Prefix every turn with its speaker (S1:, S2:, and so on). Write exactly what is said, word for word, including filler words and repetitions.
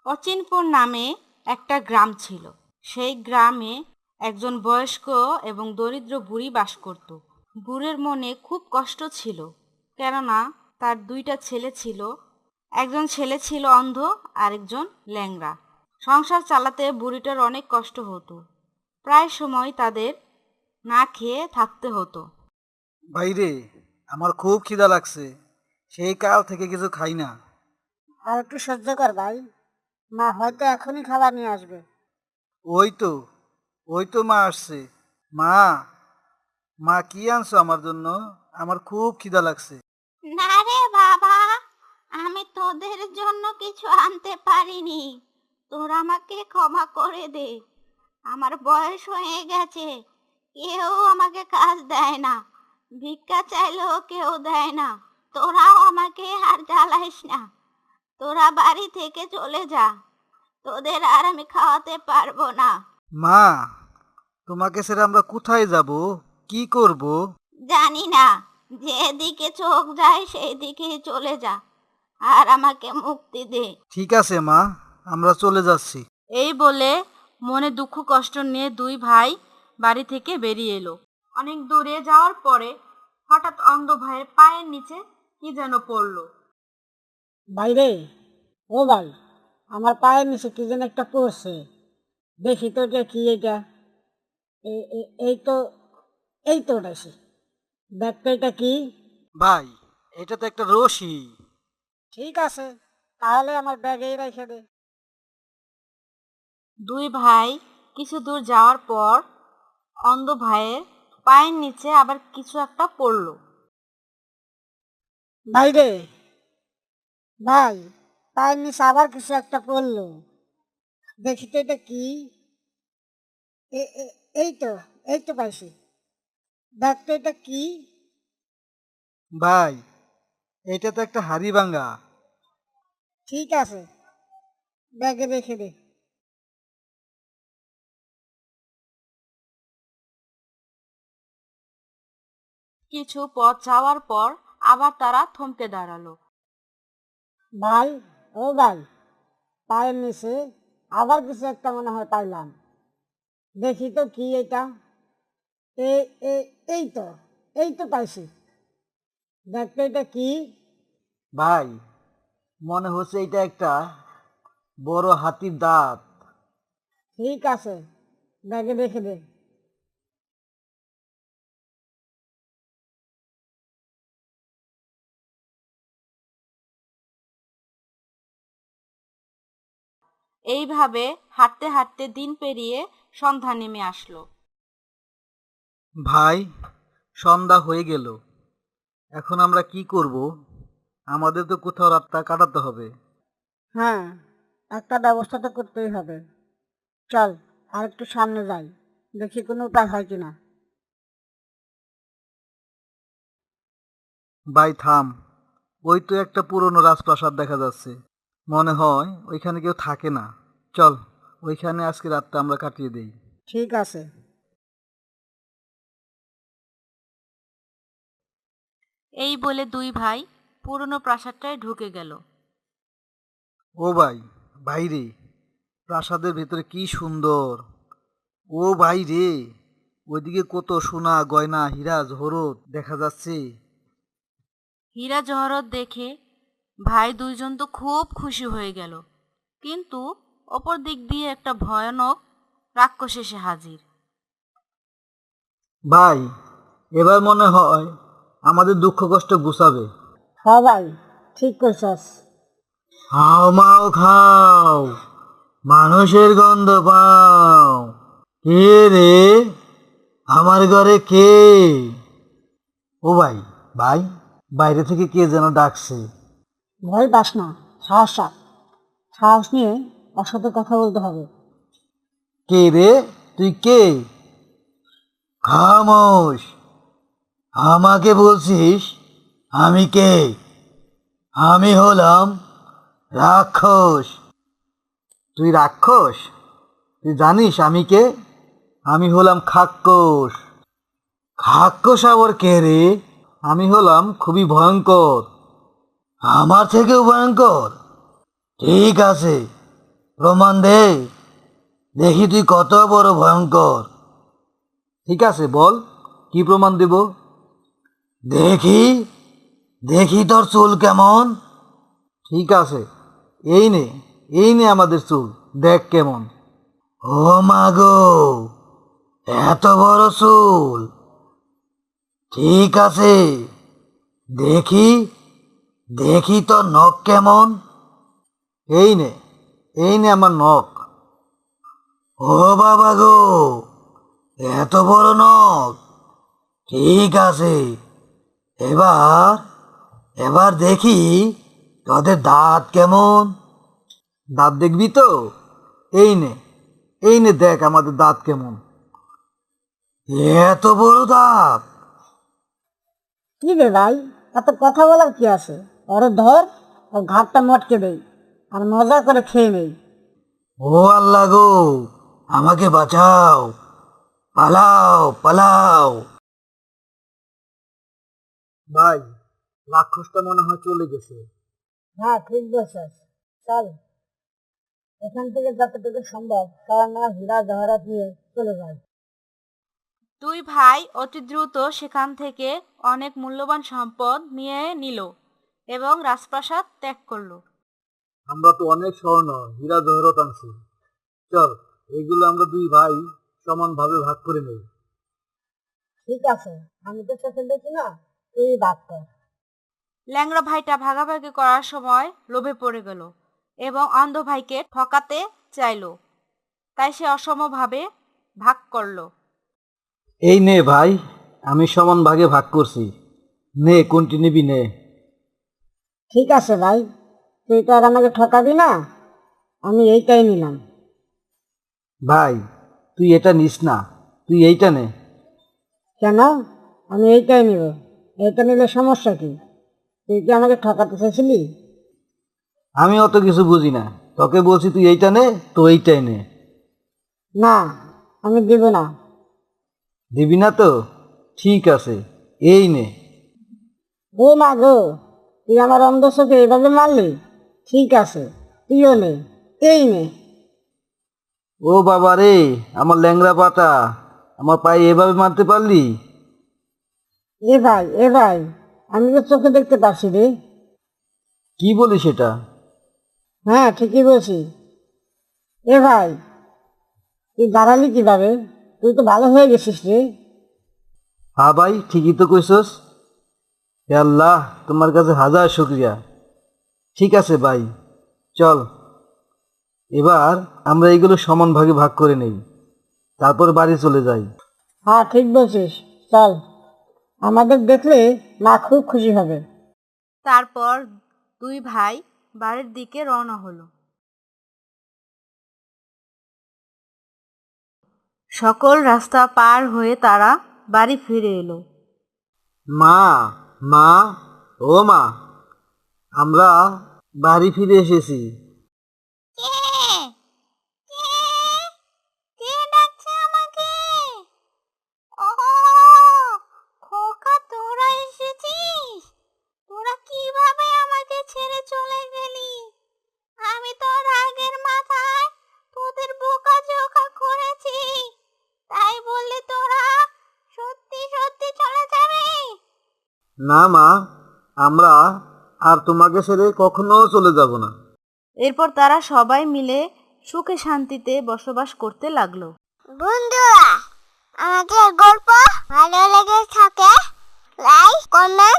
S1: অচিনপুর নামে একটা গ্রাম ছিল। সেই গ্রামে একজন বয়স্ক এবং দরিদ্র বুড়ি বাস করত। বুড়ির মনে খুব কষ্ট ছিল, কেননা তার দুইটা ছেলে ছিল। একজন ছেলে ছিল অন্ধ, আরেকজন ল্যাংড়া। সংসার চালাতে বুড়িটার অনেক কষ্ট হতো। প্রায় সময় তাদের না খেয়ে থাকতে হতো।
S2: ভাইরে, আমার খুব খিদা লাগছে, সেই কাল থেকে কিছু খাই না।
S3: আর একটু সহ্য কর ভাই, মা হয়তো এখনই খাবার নিয়ে আসবে।
S2: ওই তো ওই তো মা আসছে। মা, মা কি আনছো আমার জন্য? আমার খুব খিদা লাগছে।
S1: না রে বাবা, আমি তোদের জন্য কিছু আনতে পারিনি। তোরা আমাকে ক্ষমা করে দে। আমার বয়স হয়ে গেছে, কেউ আমাকে কাজ দেয় না। ভিক্ষা চাইলেও কেউ দেয় না। তোরাও আমাকে আর জ্বালাইস না। তোরা বাড়ি থেকে চলে যা। তোদের আর আমি খাওয়াতে পারবো না।
S2: মা, তোমাকে ছেড়ে আমরা কোথায় যাব, কি করব?
S1: জানি না, যেদিকে চোখ যায় সেই দিকেই চলে যা, আর আমাকে মুক্তি দে।
S2: ঠিক আছে মা, আমরা চলে যাচ্ছি।
S1: এই বলে মনে দুঃখ কষ্ট নিয়ে দুই ভাই বাড়ি থেকে বেরিয়ে এলো। অনেক দূরে যাওয়ার পরে হঠাৎ অন্ধ ভাইয়ের পায়ের নিচে কি যেন পড়লো।
S3: ভাই রে, ও ভাই, আমার পায়ের নিচে কি যেন একটা পড়ছে। দেখি তো এটা কি, এটা এ- এ- এই তো, এই তো ওটাছি। দেখ তো এটা কি।
S2: ভাই, এটা তো একটা রশি।
S3: ঠিক আছে, তাহলে আমার ব্যাগেই রেখে দে।
S1: দুই ভাই কিছু দূর যাওয়ার পর অন্ধ ভাইয়ের পায়ের নিচে আবার কিছু একটা পড়লো।
S3: ভাই রে, ভাই, পায়ের নিচে আবার কিছু একটা পড়লো। দেখি তো এটা কি। এ- এ- এই তো, এই তো পাইছি। দেখ তো এটা কি।
S2: ভাই, এটা তো একটা হাড়ি ভাঙা।
S3: ঠিক আছে, ব্যাগে রেখে দে।
S1: কিছু পথ যাওয়ার পর আবার তারা থমকে দাঁড়ালো।
S3: ভাই, ও ভাই, পায়ের নিচে আবার কিছু একটা মনে হয় পাইলাম। দেখি তো কি এটা। এ এ- এই তো, এই তো পাইছি। দেখতে এটা কি।
S2: ভাই, মনে হচ্ছে এটা একটা বড় হাতির দাঁত।
S3: ঠিক আছে, ব্যাগে রেখে দে।
S1: এইভাবে হাঁটতে হাঁটতে দিন পেরিয়ে সন্ধ্যা নেমে আসলো।
S2: ভাই, সন্ধ্যা হয়ে গেল, এখন আমরা কি করব? আমাদের তো কোথাও রাতটা কাটাতে হবে।
S3: হ্যাঁ, একটা ব্যবস্থা তো করতেই হবে। চল, আর একটু সামনে যাই, দেখি কোনো উপায় হয় কিনা।
S2: ভাই থাম, ওই তো একটা পুরনো রাজপ্রাসাদ দেখা যাচ্ছে। মনে হয় ওইখানে কেউ থাকে না। চল, ওইখানে আজকে রাতটা আমরা কাটিয়ে দেই।
S3: ঠিক আছে।
S1: এই বলে দুই ভাই পুরনো প্রাসাদটায় ঢুকে গেল।
S2: ও ভাই, ভাইরে, প্রাসাদের ভেতরে কি সুন্দর! ও ভাই রে, ওইদিকে কত সোনা গয়না হীরা জহরত দেখা যাচ্ছে।
S1: হীরা জহরত দেখে ভাই দুইজন তো খুব খুশি হয়ে গেল, কিন্তু অপর দিক দিয়ে একটা ভয়ানক রাক্ষস এসে হাজির।
S2: ভাই, এবার মনে হয় আমাদের দুঃখ কষ্ট গুছাবে।
S3: হ ভাই, ঠিক করছস।
S2: হাও মাও খাও, মানুষের গন্ধ পাও। কে রে, আমার ঘরে কে? ও ভাই, ভাই, বাইরে থেকে কে যেন ডাকছে।
S3: ভয় পাস না, সাহস রাখ। সাহস নিয়ে ওর সাথে কথা বলতে হবে।
S2: কে রে, তুই কে? খামোশ, আমাকে বলছিস আমি কে? আমি হলাম রাক্ষস। তুই রাক্ষস? তুই জানিস আমি কে? আমি হলাম খাক্কস। খাক্কস আবার কে রে? আমি হলাম খুবই ভয়ঙ্কর। আমার থেকেও ভয়ঙ্কর? ঠিক আছে, প্রমাণ দে, দেখি তুই কত বড় ভয়ঙ্কর। ঠিক আছে, বল কি প্রমাণ দেব। দেখি দেখি তোর চুল কেমন। ঠিক আছে, এই নে এই নে আমাদের চুল, দেখ কেমন। ও মা গো, এত বড় চুল। ঠিক আছে, দেখি দেখি তোর নখ কেমন। এই নে এই নে আমার নখ। ও বাবা গো, এত বড় নখ। ঠিক আছে, এবার এবার দেখি তোদের দাঁত কেমন। দাঁত দেখবি তো? এই নে এই নে দেখ আমাদের দাঁত কেমন। এত বড় দাঁত।
S3: কি রে ভাই, এত কথা বলার কি আছে? ওরে ধর, ও ঘাটটা মটকে দেই আর মজা করে খেয়ে নেই।
S2: ও আল্লাহ গো, আমাকে বাঁচাও, পালাও পালাও। ভাই, রাক্ষসটা মনে হয় চলে গেছে।
S3: হ্যাঁ ঠিক বলছিস, চল এখান থেকে যতটুকু সম্ভব সবার নামে হীরা জহরাত নিয়ে চলে যায়।
S4: দুই ভাই অতি দ্রুত সেখান থেকে অনেক মূল্যবান সম্পদ নিয়ে নিল এবং রাজপ্রাসাদ ত্যাগ করলো।
S2: আমরা তো অনেক স্বর্ণ হীরা জহরত আনছি, চল এগুলো আমরা দুই ভাই সমানভাবে ভাগ করে নেই।
S3: ঠিক আছে, আমি তো চোখে দেখি না, তুই ভাগ কর।
S4: ল্যাংড়া ভাইটা ভাগাভাগি করার সময় লোভে পড়ে গেল এবং অন্ধ ভাইকে ঠকাতে চাইল, তাই সে অসমভাবে ভাগ করলো।
S2: এই নে ভাই, আমি সমান ভাগে ভাগ করছি, নে কোনটি নিবি নে।
S3: ঠিক আছে ভাই, তুই তো আর আমাকে ঠকাবি না, আমি এইটাই নিলাম।
S2: ভাই তুই এটা নিস না, তুই এইটা নে।
S3: কেন? আমি এইটাই নিব। এইটা নিলে সমস্যা কি? তুই কি আমাকে ঠকাতে চাইছিলি?
S2: আমি অত কিছু বুঝি না, তোকে বলছি তুই এইটা নে, তো এইটাই নে।
S3: না, আমি দিব না।
S2: দিবি না তো? ঠিক আছে, এই নে।
S3: ও মা গো, তুই আমার অন্ধ চোখে এভাবে মারলি? ঠিক আছে, তুইও নে, এই নে।
S2: ও বাবা রে, আমার ল্যাংড়া পাটা, আমার পায়ে এভাবে মারতে পারলি?
S3: এ ভাই এ ভাই, আমি তো চোখে দেখতে পাচ্ছি রে।
S2: কি বলিস এটা?
S3: হ্যাঁ ঠিকই বলছি। এ ভাই, তুই দাঁড়ালি কিভাবে? তুই তো ভালো হয়ে গেছিস রে।
S2: হ্যাঁ ভাই, ঠিকই তো কইছস। হে আল্লাহ, তোমার কাছে হাজার শুকরিয়া। ঠিক আছে ভাই, চল এবার আমরা এইগুলো সমান ভাগে ভাগ করে নেই, তারপর বাড়ি চলে যাই।
S3: হ্যাঁ ঠিক বলছিস, চল। আমাদের দেখলে মা খুব খুশি হবে।
S4: তারপর দুই ভাই বাড়ির দিকে রওনা হলো। সকল রাস্তা পার হয়ে তারা বাড়ি ফিরে এলো।
S2: মা মা ও মা, আমরা বাড়ি ফিরে এসেছি।
S1: কে কে কে ডাকছে আমাকে? ও খোকা, তোরা এসেছিস? তোরা কিভাবে আমাকে ছেড়ে চলে গেলি? আমি তো রাগের মাথায় তোদের বোকাঝোকা করেছি, তাই বললি তোরা সত্যি সত্যি চলে যাবে?
S2: না মা, আমরা আর তোমাকে ছেড়ে কখনো চলে যাব না।
S4: এরপর তারা সবাই মিলে সুখে শান্তিতে বসবাস করতে লাগলো।
S1: বন্ধুরা, আমাদের গল্প ভালো লেগে থাকে লাইক কমেন্ট